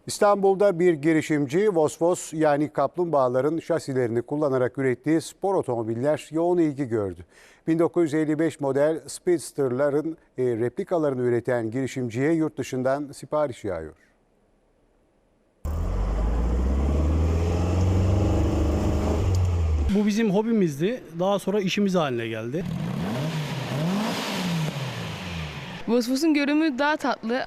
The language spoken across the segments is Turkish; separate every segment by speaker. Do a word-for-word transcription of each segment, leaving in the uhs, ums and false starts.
Speaker 1: İstanbul'da bir girişimci Vosvos yani kaplumbağaların şasilerini kullanarak ürettiği spor otomobiller yoğun ilgi gördü. bin dokuz yüz elli beş model Speedster'ların e, replikalarını üreten girişimciye yurt dışından sipariş yağıyor.
Speaker 2: Bu bizim hobimizdi. Daha sonra işimiz haline geldi.
Speaker 3: Vosvos'un görünümü daha tatlı.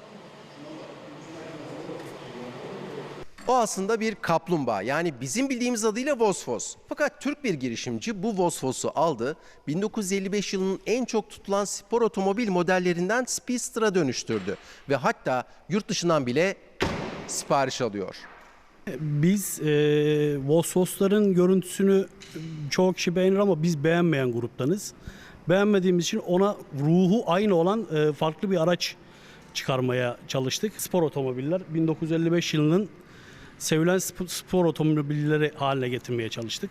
Speaker 4: O aslında bir kaplumbağa, yani bizim bildiğimiz adıyla Vosvos. Fakat Türk bir girişimci bu Vosvos'u aldı, bin dokuz yüz elli beş yılının en çok tutulan spor otomobil modellerinden Speedster'a dönüştürdü. Ve hatta yurt dışından bile sipariş alıyor.
Speaker 2: Biz e, Vosvos'ların görüntüsünü çoğu kişi beğenir ama biz beğenmeyen gruptanız. Beğenmediğimiz için ona ruhu aynı olan e, farklı bir araç çıkarmaya çalıştık. Spor otomobiller bin dokuz yüz elli beş yılının sevilen spor otomobilleri haline getirmeye çalıştık.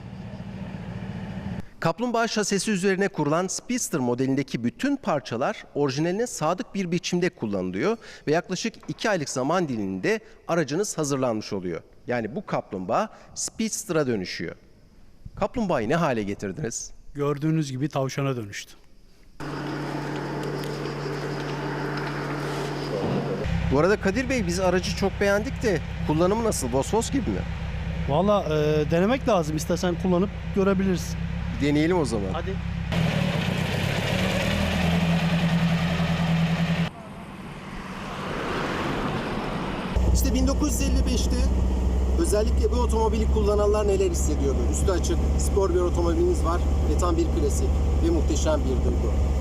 Speaker 4: Kaplumbağa şasisi üzerine kurulan Speedster modelindeki bütün parçalar orijinaline sadık bir biçimde kullanılıyor ve yaklaşık iki aylık zaman diliminde aracınız hazırlanmış oluyor. Yani bu kaplumbağa Speedster'a dönüşüyor. Kaplumbağayı ne hale getirdiniz?
Speaker 2: Gördüğünüz gibi tavşana dönüştü.
Speaker 4: Bu arada Kadir Bey, biz aracı çok beğendik de kullanımı nasıl? Vosvos gibi mi?
Speaker 2: Valla e, denemek lazım. İstersen kullanıp görebilirsin.
Speaker 4: Deneyelim o zaman.
Speaker 2: Hadi.
Speaker 4: İşte bin dokuz yüz elli beşte özellikle bu otomobili kullananlar neler hissediyordu? Üstü açık, spor bir otomobiliniz var ve tam bir klasik ve muhteşem bir duygu.